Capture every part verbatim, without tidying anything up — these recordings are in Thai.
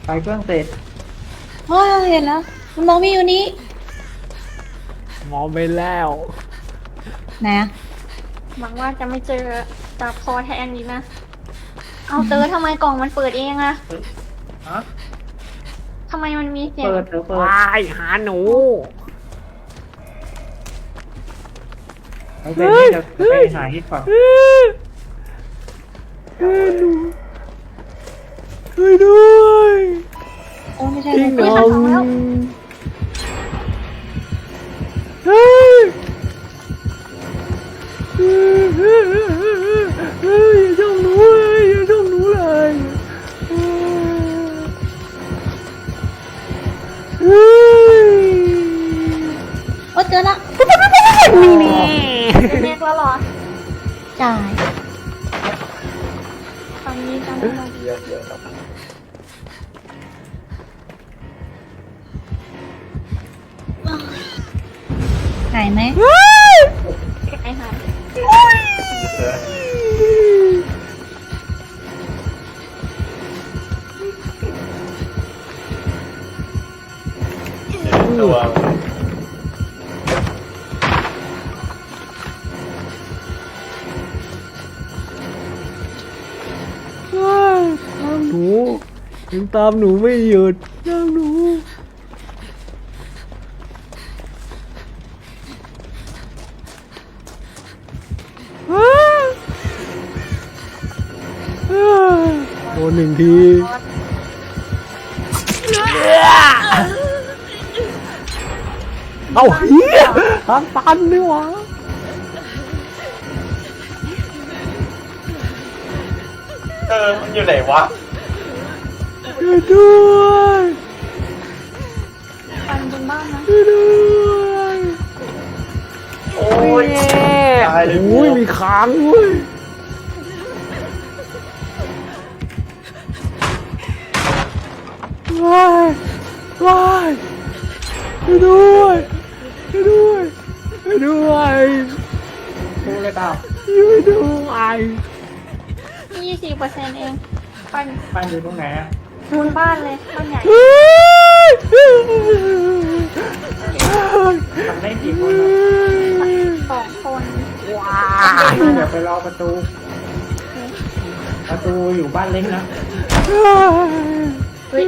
ไปเครื่องเสร็จเฮ้ยเห็นแล้วมันมองไม่อยู่นี่มองไปแล้วไหนอะหวังว่าจะไม่เจอจับคอแทนดีนะ เอาเตอทำไมกล่องมันเปิดเองอะฮะทำไมมันมีเสียงเปิดเดี๋ยวเปิดวายหาหนูเอาเสร็จนี่จะไปหาฮิตก่อนเฮ้ยเฮ้ยหนูช่วยด้วยโอ้ไม่ใช่จริงเหรไม่อใช่เฮ้ยเฮ้ยเฮ้ยเฮ้ยอย่าจ้องหนูเลยอย่าจ้องหนูเลยเฮ้ยโอ้เจอละนี่นี่เป็นเมกแล้วเหรอจ่ายตอนนี้จำไม่ได้เดี๋ยวเดี๋ยวครับหายไหมไอ้หายตัวตามหนูยังตามหนูไม่หยุดตามหนูโดนหนึ่งทีเอาเฮียทางตันนี่หวะเออมันอยู่ไหนวะช่วยด้วยปันบนบ้านนะช่วยด้วยโอ้ยตายเลยโอ้ยมีค้างเว้ยว้ายว้ายช่วยด้วยช่วยด้วยช่วยด้วยดูเลยเปล่าช่วยด้วยยี่สิบเปอร์เซ็นต์เอง ปันปั้นอยู่ตรงไหนอะบนบ้านเลยบ้านใหญ่ทำได้กี่คนอะสองคนว้าเดี๋ยวไปรอประตู ประตูอยู่บ้านเล็กนะเฮ้ย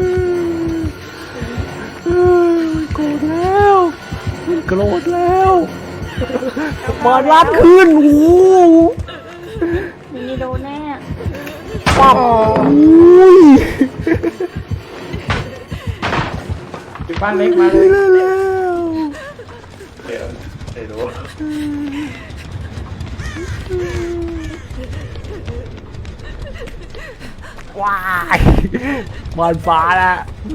โกรธแล้วมันโกรธแล้วเปิดร้านคืนโอ้โหมีโดนแน่ปั๊บอุ้ยอยู่บ้านเล็กมาเลยได้แล้วเดี๋ยวเดี๋ยวดูว้ายบานฟ้าแล้ว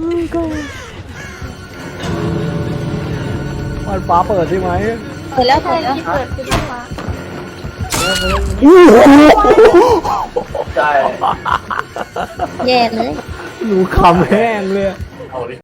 บานฟ้าเปิดใช่ไหมเปิดแล้วใช่เปิดแล้วที่เปิดคือบ้านฟ้าใช่แย่เลยหนูคำแห้งเลยเอาดิ